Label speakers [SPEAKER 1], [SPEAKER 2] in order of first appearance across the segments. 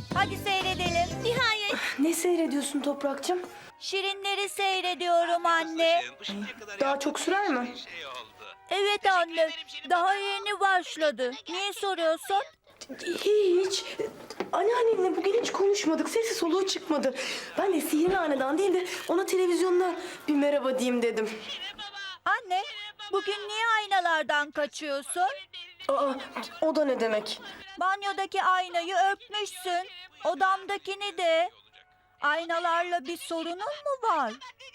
[SPEAKER 1] Hadi seyredelim.
[SPEAKER 2] Nihayet.
[SPEAKER 3] Ne seyrediyorsun Toprak'cığım?
[SPEAKER 1] Şirinleri seyrediyorum anne.
[SPEAKER 3] Daha çok sürer mi?
[SPEAKER 1] Evet anne. Daha yeni başladı. Niye soruyorsun?
[SPEAKER 3] Hiç. Anneannenle bugün hiç konuşmadık. Sesi soluğu çıkmadı. Ben de Sihirli Hanedan değil de ona televizyonda bir merhaba diyeyim dedim.
[SPEAKER 1] Anne, bugün niye aynalardan kaçıyorsun?
[SPEAKER 3] Aa, o da ne demek?
[SPEAKER 1] Banyodaki aynayı öpmüşsün. Odamdakini de. Aynalarla bir sorunun mu var?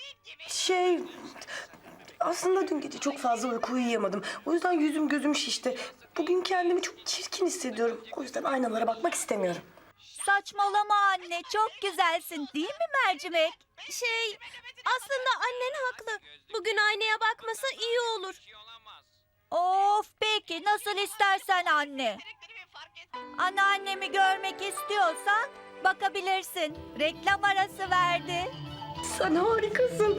[SPEAKER 3] Aslında dün gece çok fazla uyku uyuyamadım. O yüzden yüzüm gözüm şişti. Bugün kendimi çok çirkin hissediyorum. O yüzden aynalara bakmak istemiyorum.
[SPEAKER 1] Saçmalama anne, çok güzelsin değil mi mercimek?
[SPEAKER 2] Aslında annen haklı. Bugün aynaya bakmasa iyi olur.
[SPEAKER 1] Of peki, nasıl istersen anne. Anneannemi görmek istiyorsan bakabilirsin. Reklam arası verdi.
[SPEAKER 3] Sen harikasın.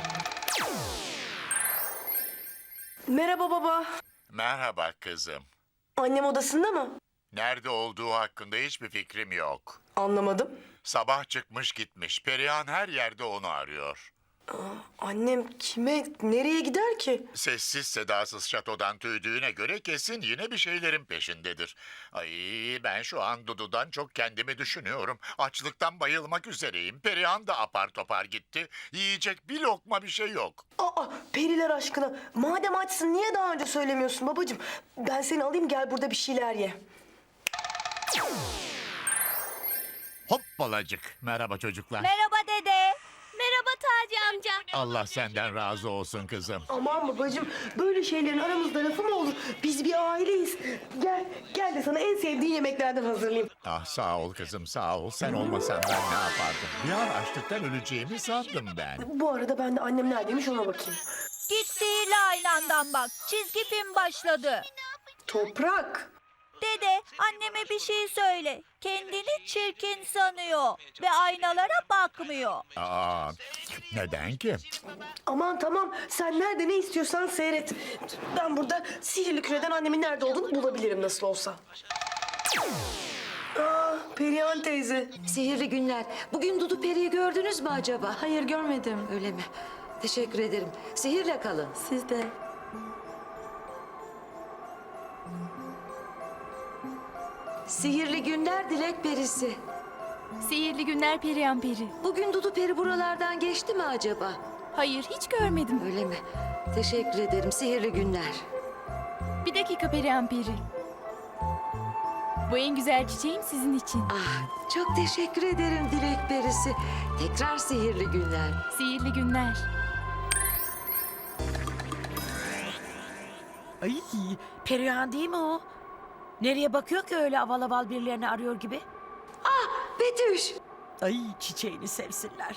[SPEAKER 3] Merhaba baba.
[SPEAKER 4] Merhaba kızım.
[SPEAKER 3] Annem odasında mı?
[SPEAKER 4] Nerede olduğu hakkında hiçbir fikrim yok.
[SPEAKER 3] Anlamadım.
[SPEAKER 4] Sabah çıkmış gitmiş. Perihan her yerde onu arıyor.
[SPEAKER 3] Annem kime, nereye gider ki?
[SPEAKER 4] Sessiz sedasız şatodan tüydüğüne göre kesin yine bir şeylerin peşindedir. Ay ben şu an Dudu'dan çok kendimi düşünüyorum. Açlıktan bayılmak üzereyim. Perihan da apar topar gitti. Yiyecek bir lokma bir şey yok.
[SPEAKER 3] Aa, periler aşkına. Madem açsın niye daha önce söylemiyorsun babacığım? Ben seni alayım gel burada bir şeyler ye.
[SPEAKER 4] Hoppalacık. Merhaba çocuklar.
[SPEAKER 1] Merhaba dede.
[SPEAKER 2] Merhaba Taci amca.
[SPEAKER 4] Allah senden razı olsun kızım.
[SPEAKER 3] Aman babacığım böyle şeylerin aramızda lafı mı olur? Biz bir aileyiz. Gel de sana en sevdiğin yemeklerden hazırlayayım.
[SPEAKER 4] Ah sağ ol kızım sağ ol. Sen olmasan ben ne yapardım? Bir an açlıktan öleceğimi sandım ben.
[SPEAKER 3] Bu arada ben de annem neredeymiş ona bakayım.
[SPEAKER 1] Git sihirli aynandan bak. Çizgi film başladı.
[SPEAKER 3] Toprak.
[SPEAKER 1] Dede, anneme bir şey söyle. Kendini çirkin sanıyor ve aynalara bakmıyor.
[SPEAKER 4] Aa, neden ki?
[SPEAKER 3] Aman tamam sen nerede ne istiyorsan seyret. Ben burada sihirli küreden annemin nerede olduğunu bulabilirim nasıl olsa. Aa, Perihan teyze.
[SPEAKER 5] Sihirli günler. Bugün Dudu Peri'yi gördünüz mü acaba?
[SPEAKER 3] Hayır görmedim.
[SPEAKER 5] Öyle mi? Teşekkür ederim. Sihirle kalın.
[SPEAKER 3] Siz de.
[SPEAKER 5] Sihirli günler Dilek Perisi.
[SPEAKER 6] Sihirli günler Perihan Peri.
[SPEAKER 5] Bugün Dudu Peri buralardan geçti mi acaba?
[SPEAKER 6] Hayır, hiç görmedim.
[SPEAKER 5] Öyle mi? Teşekkür ederim. Sihirli günler.
[SPEAKER 6] Bir dakika Perihan Peri. Bu en güzel çiçeğim sizin için.
[SPEAKER 5] Ah, çok teşekkür ederim Dilek Perisi. Tekrar sihirli günler.
[SPEAKER 6] Sihirli günler.
[SPEAKER 7] Ay, Perihan değil mi o? Nereye bakıyor ki öyle aval aval birilerini arıyor gibi?
[SPEAKER 5] Betüş.
[SPEAKER 7] Ay, çiçeğini sevsinler.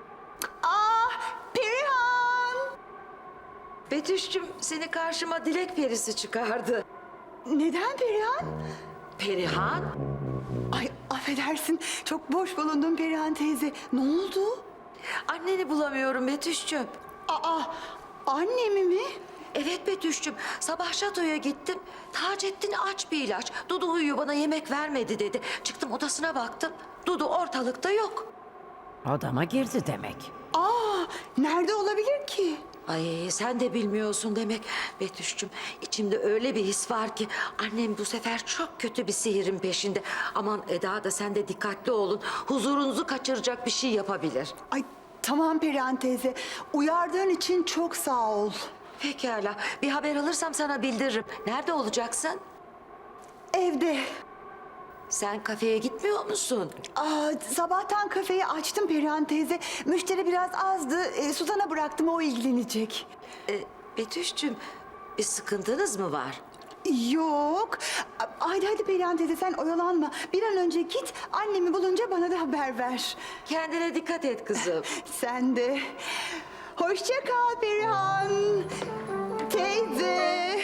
[SPEAKER 5] Betüş'cüm seni karşıma Dilek Perisi çıkardı.
[SPEAKER 8] Neden Perihan?
[SPEAKER 5] Perihan?
[SPEAKER 8] Ay affedersin çok boş bulundum Perihan teyze. Ne oldu?
[SPEAKER 5] Anneni bulamıyorum Betüş'cüm.
[SPEAKER 8] Aa annemi mi?
[SPEAKER 5] Evet Betüş'cüm, sabah şatoya gittim. Taceddin aç bir ilaç. Dudu uyuyor bana yemek vermedi dedi. Çıktım odasına baktım. Dudu ortalıkta yok.
[SPEAKER 7] Odama girdi demek.
[SPEAKER 8] Aa nerede olabilir ki?
[SPEAKER 5] Ay sen de bilmiyorsun demek. Betüş'cüm içimde öyle bir his var ki... ...annem bu sefer çok kötü bir sihirin peşinde. Aman Eda da sen de dikkatli olun. Huzurunuzu kaçıracak bir şey yapabilir.
[SPEAKER 8] Ay tamam Perihan teyze. Uyardığın için çok sağ ol.
[SPEAKER 5] Pekala bir haber alırsam sana bildiririm. Nerede olacaksın?
[SPEAKER 8] Evde.
[SPEAKER 5] Sen kafeye gitmiyor musun?
[SPEAKER 8] Sabahtan kafeyi açtım Perihan teyze. Müşteri biraz azdı. Suzan'a bıraktım o ilgilenecek.
[SPEAKER 5] Betüş'cüm bir sıkıntınız mı var?
[SPEAKER 8] Yok. Hadi Perihan teyze sen oyalanma. Bir an önce git annemi bulunca bana da haber ver.
[SPEAKER 5] Kendine dikkat et kızım.
[SPEAKER 8] Sen de. Hoşça kal Perihan. Teyze.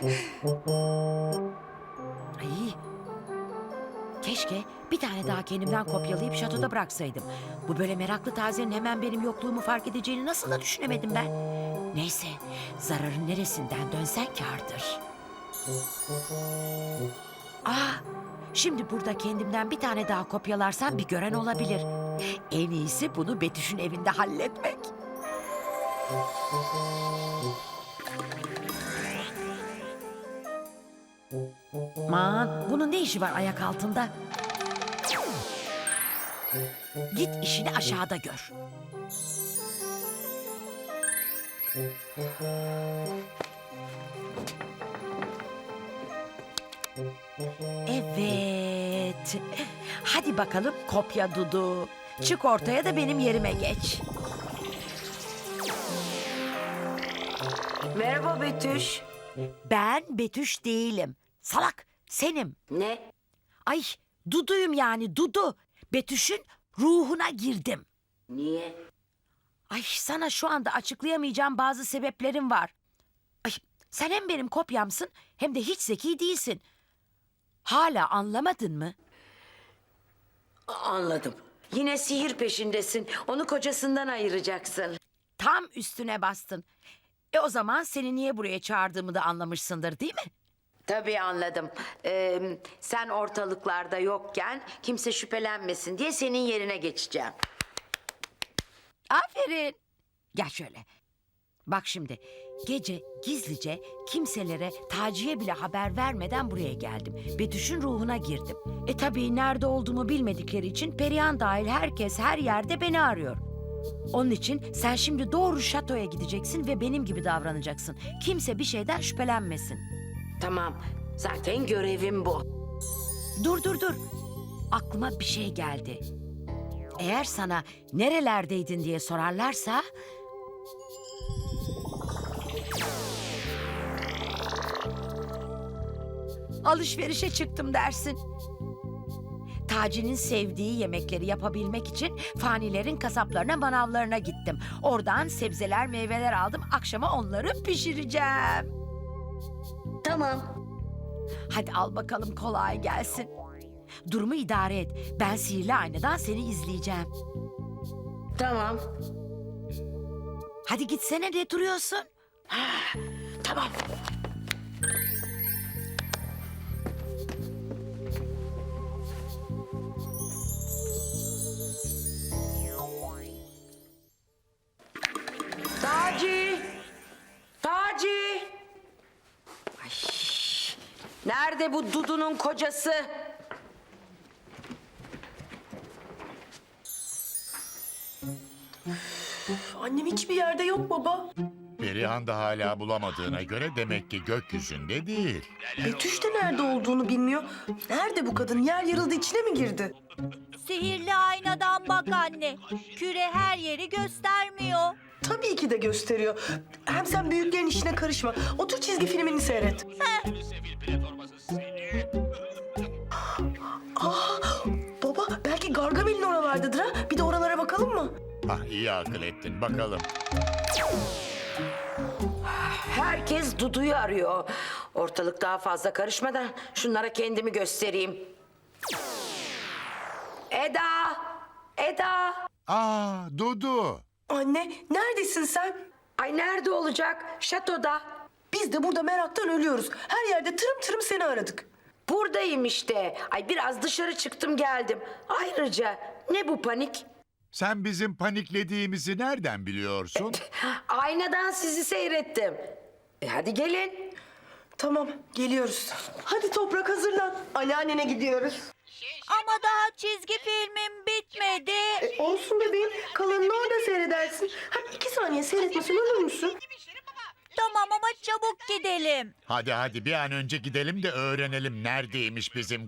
[SPEAKER 7] Ay, keşke bir tane daha kendimden kopyalayıp şatoda bıraksaydım. Bu böyle meraklı tazenin hemen benim yokluğumu fark edeceğini nasıl da düşünemedim ben. Neyse, zararın neresinden dönsen kârdır. Aa, Şimdi burada kendimden bir tane daha kopyalarsam bir gören olabilir. En iyisi bunu Betüş'ün evinde halletmek. Aman, bunun ne işi var ayak altında? Git işini aşağıda gör. Evet. Hadi bakalım kopya Dudu. Çık ortaya da benim yerime geç.
[SPEAKER 5] Merhaba Betüş.
[SPEAKER 7] Ben Betüş değilim. Salak, senim.
[SPEAKER 5] Ne?
[SPEAKER 7] Ay, Dudu'yum yani Dudu. Betüş'ün ruhuna girdim.
[SPEAKER 5] Niye?
[SPEAKER 7] Ay, sana şu anda açıklayamayacağım bazı sebeplerim var. Ay, sen hem benim kopyamsın hem de hiç zeki değilsin. Hala anlamadın mı?
[SPEAKER 5] Anladım. Yine sihir peşindesin. Onu kocasından ayıracaksın.
[SPEAKER 7] Tam üstüne bastın. O zaman seni niye buraya çağırdığımı da anlamışsındır değil mi?
[SPEAKER 5] Tabii anladım. Sen ortalıklarda yokken kimse şüphelenmesin diye senin yerine geçeceğim.
[SPEAKER 7] Aferin. Gel şöyle. Bak şimdi gece gizlice kimselere Taci'ye bile haber vermeden buraya geldim. Betüş'ün ruhuna girdim. Tabii nerede olduğumu bilmedikleri için Perihan dahil herkes her yerde beni arıyor. Onun için sen şimdi doğru şatoya gideceksin ve benim gibi davranacaksın. Kimse bir şeyden şüphelenmesin.
[SPEAKER 5] Tamam. Zaten görevim bu.
[SPEAKER 7] Dur. Aklıma bir şey geldi. Eğer sana nerelerdeydin diye sorarlarsa... alışverişe çıktım dersin. Taci'nin sevdiği yemekleri yapabilmek için fanilerin kasaplarına, manavlarına gittim. Oradan sebzeler, meyveler aldım. Akşama onları pişireceğim.
[SPEAKER 5] Tamam.
[SPEAKER 7] Hadi al bakalım, kolay gelsin. Durumu idare et. Ben sihirli aynadan seni izleyeceğim.
[SPEAKER 5] Tamam.
[SPEAKER 7] Hadi gitsene, ne duruyorsun?
[SPEAKER 5] Tamam. Taci! Taci! Ay, nerede bu Dudu'nun kocası?
[SPEAKER 3] Annem hiçbir yerde yok baba.
[SPEAKER 4] Perihan da hala bulamadığına göre demek ki gökyüzünde değil.
[SPEAKER 3] Betüş de nerede olduğunu bilmiyor. Nerede bu kadın? Yer yarıldı, içine mi girdi?
[SPEAKER 1] Sihirli aynadan bak anne. Küre her yeri göstermiyor.
[SPEAKER 3] Tabii ki de gösteriyor. Hem sen büyüklerin işine karışma. Otur çizgi filmini seyret. Baba belki Gargamel'in oralardadır ha. Bir de oralara bakalım mı?
[SPEAKER 4] Ah, iyi akıl ettin, bakalım.
[SPEAKER 5] Herkes Dudu'yu arıyor. Ortalık daha fazla karışmadan şunlara kendimi göstereyim. Eda! Eda!
[SPEAKER 4] Dudu.
[SPEAKER 3] Anne neredesin sen?
[SPEAKER 5] Ay nerede olacak? Şatoda.
[SPEAKER 3] Biz de burada meraktan ölüyoruz. Her yerde tırım tırım seni aradık.
[SPEAKER 5] Buradayım işte. Ay biraz dışarı çıktım geldim. Ayrıca ne bu panik?
[SPEAKER 4] Sen bizim paniklediğimizi nereden biliyorsun?
[SPEAKER 5] Aynadan sizi seyrettim. Hadi gelin.
[SPEAKER 3] Tamam geliyoruz. Hadi Toprak hazırlan. Anneannene gidiyoruz.
[SPEAKER 1] Ama daha çizgi filmim bitmedi.
[SPEAKER 3] Olsun bebeğim. Kalanını orada seyredersin. Hadi 2 saniye seyretmesen olur musun?
[SPEAKER 1] Tamam ama çabuk gidelim.
[SPEAKER 4] Hadi bir an önce gidelim de öğrenelim neredeymiş bizim...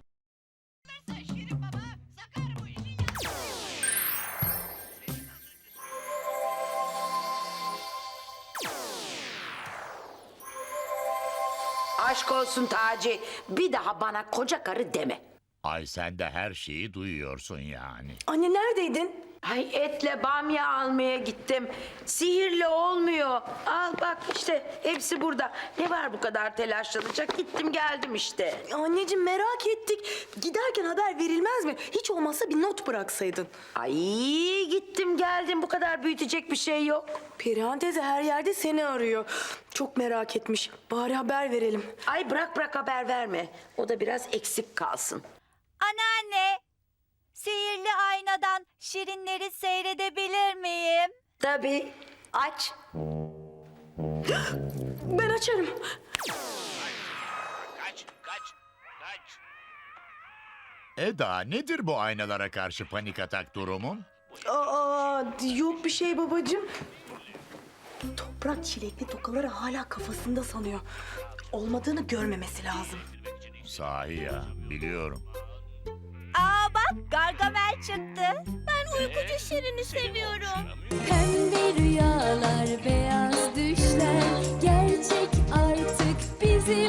[SPEAKER 5] Aşk olsun Taci. Bir daha bana koca karı deme.
[SPEAKER 4] Ay, sen de her şeyi duyuyorsun yani.
[SPEAKER 3] Anne neredeydin?
[SPEAKER 5] Ay etle bamya almaya gittim. Sihirli olmuyor. Al bak işte hepsi burada. Ne var bu kadar telaşlanacak? Gittim geldim işte.
[SPEAKER 3] Anneciğim merak ettik. Giderken haber verilmez mi? Hiç olmazsa bir not bıraksaydın.
[SPEAKER 5] Ay gittim geldim, bu kadar büyütecek bir şey yok.
[SPEAKER 3] Perihan teyze her yerde seni arıyor. Çok merak etmiş. Bari haber verelim.
[SPEAKER 5] Ay bırak haber verme. O da biraz eksik kalsın.
[SPEAKER 1] Anneanne, sihirli aynadan şirinleri seyredebilir miyim?
[SPEAKER 3] Tabii. Aç. Ben açarım.
[SPEAKER 4] Eda, nedir bu aynalara karşı panik atak durumun?
[SPEAKER 3] Aa, yok bir şey babacığım. Toprak çilekli tokaları hala kafasında sanıyor. Olmadığını görmemesi lazım.
[SPEAKER 4] Sahi ya, biliyorum.
[SPEAKER 1] Aa bak, Gargamel çıktı.
[SPEAKER 2] Ben uykucu Şirin'i seviyorum.
[SPEAKER 9] Pembe rüyalar, beyaz düşler gerçek artık bizim